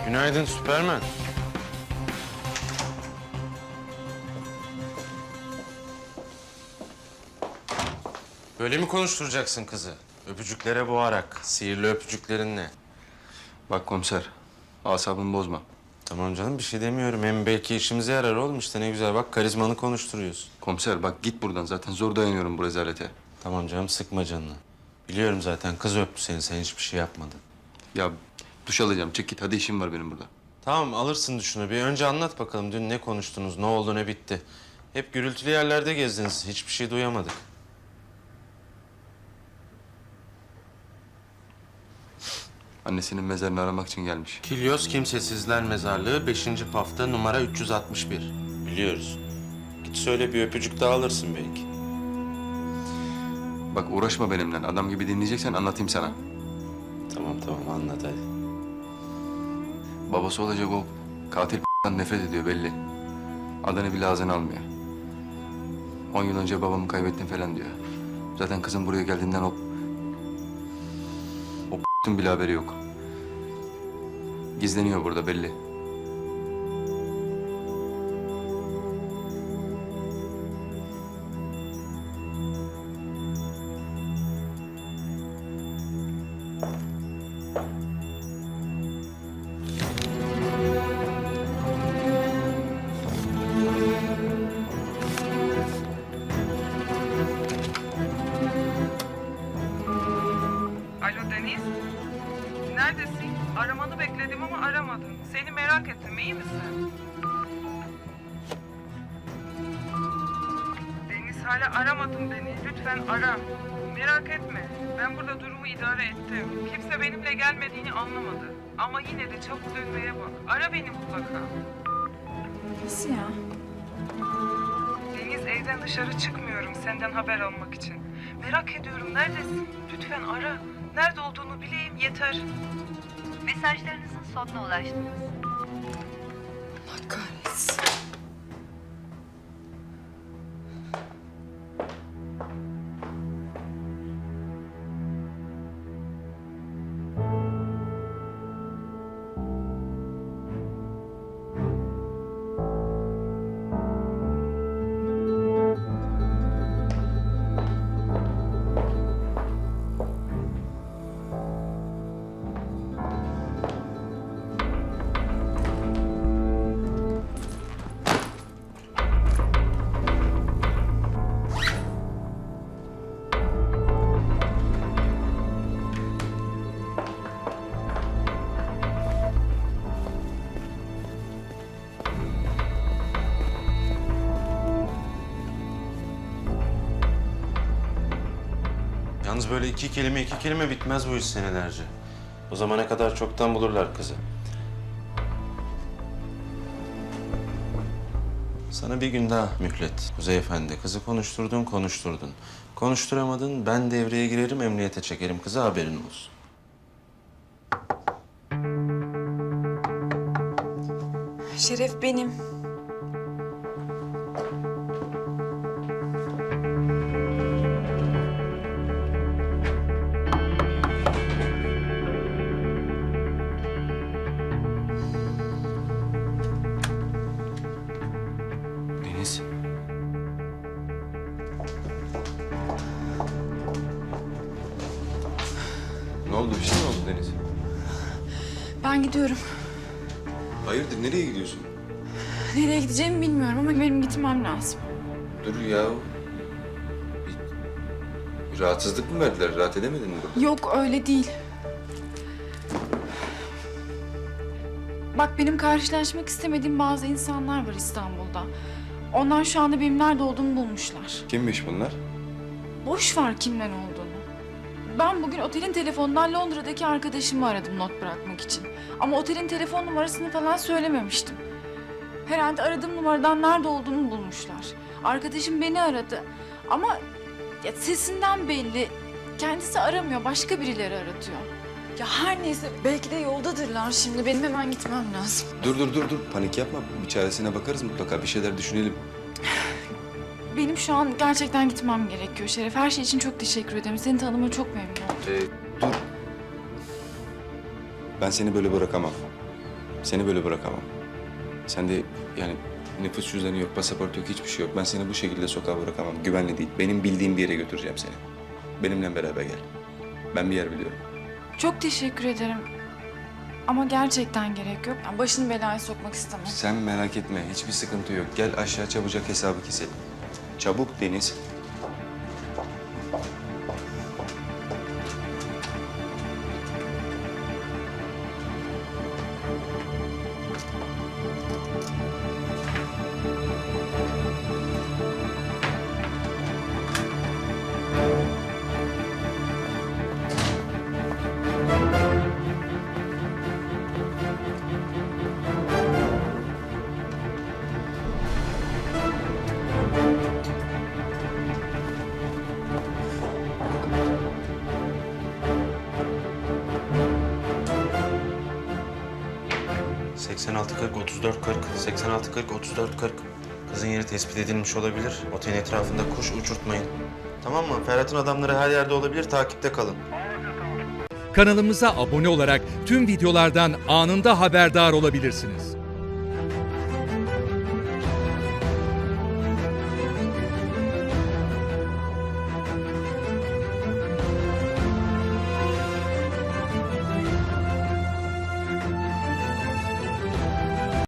Günaydın Süpermen. Böyle mi konuşturacaksın kızı? Öpücüklere boğarak, sihirli öpücüklerinle. Bak komiser, asabımı bozma. Tamam canım, bir şey demiyorum. Hem belki işimize yarar oğlum işte, ne güzel bak, karizmanı konuşturuyorsun. Komiser bak git buradan, zaten zor dayanıyorum bu rezalete. Tamam canım, sıkma canını. Biliyorum zaten, kız öptü seni, sen hiçbir şey yapmadın. Ya duş alacağım, çek git, hadi işim var benim burada. Tamam, alırsın düşünü. Bir önce anlat bakalım, dün ne konuştunuz, ne oldu, ne bitti? Hep gürültülü yerlerde gezdiniz, hiçbir şey duyamadık. Annesinin mezarını aramak için gelmiş. Kilyos Kimsesizler Mezarlığı 5. Pafta numara 361. Biliyoruz. Git söyle, bir öpücük daha alırsın belki. Bak uğraşma benimle, adam gibi dinleyeceksen anlatayım sana. Tamam tamam, anlat hadi. Babası olacak o katil nefret ediyor belli. Adını bile ağzına almıyor. 10 yıl önce babamı kaybettim falan diyor. Zaten kızım buraya geldiğinden o bile haberi yok. Gizleniyor burada belli. Alo Deniz. Neredesin? Aramanı bekledim ama aramadın. Seni merak ettim. İyi misin? Deniz, hala aramadın beni. Lütfen ara. Merak etme. Ben burada durumu idare ettim. Kimse benimle gelmediğini anlamadı. Ama yine de çabuk dönmeye bak. Ara beni mutlaka. Nasıl ya? Deniz, evden dışarı çıkmıyorum senden haber almak için. Merak ediyorum, neredesin? Lütfen ara. Nerede olduğunu bileyim yeter. Mesajlarınızın sonuna ulaştınız. Allah kahretsin. Yalnız böyle iki kelime bitmez bu iş senelerce. O zamana kadar çoktan bulurlar kızı. Sana bir gün daha mühlet Kuzey Efendi. Kızı konuşturdun. Konuşturamadın, ben devreye girerim, emniyete çekerim kızı, haberin olsun. Şeref benim. Deniz. Ne oldu? Bir şey mi oldu Deniz? Ben gidiyorum. Hayırdır? Nereye gidiyorsun? Nereye gideceğimi bilmiyorum ama benim gitmem lazım. Dur ya. Bir rahatsızlık mı verdiler? Rahat edemedin mi burada? Yok öyle değil. Bak benim karşılaşmak istemediğim bazı insanlar var İstanbul'da. Onlar şu anda benim nerede olduğumu bulmuşlar. Kimmiş bunlar? Boş ver kimden olduğunu. Ben bugün otelin telefonundan Londra'daki arkadaşımı aradım not bırakmak için. Ama otelin telefon numarasını falan söylememiştim. Herhalde aradığım numaradan nerede olduğunu bulmuşlar. Arkadaşım beni aradı ama ya sesinden belli. Kendisi aramıyor, başka birileri aratıyor. Ya her neyse belki de yoldadırlar şimdi. Benim hemen gitmem lazım. Dur. Panik yapma. Bir çaresine bakarız mutlaka. Bir şeyler düşünelim. Benim şu an gerçekten gitmem gerekiyor Şeref. Her şey için çok teşekkür ederim. Seni tanıma çok memnun oldum. Dur. Ben seni böyle bırakamam. Seni böyle bırakamam. Sen de yani nüfus cüzdanı yok, pasaport yok, hiçbir şey yok. Ben seni bu şekilde sokağa bırakamam. Güvenli değil. Benim bildiğim bir yere götüreceğim seni. Benimle beraber gel. Ben bir yer biliyorum. Çok teşekkür ederim. Ama gerçekten gerek yok. Yani başını belaya sokmak istemem. Sen merak etme. Hiçbir sıkıntı yok. Gel aşağı çabucak hesabı keselim. Çabuk Deniz. Kızın yeri tespit edilmiş olabilir. Otelin etrafında kuş uçurtmayın. Tamam mı? Ferhat'ın adamları her yerde olabilir. Takipte kalın. Kanalımıza abone olarak tüm videolardan anında haberdar olabilirsiniz.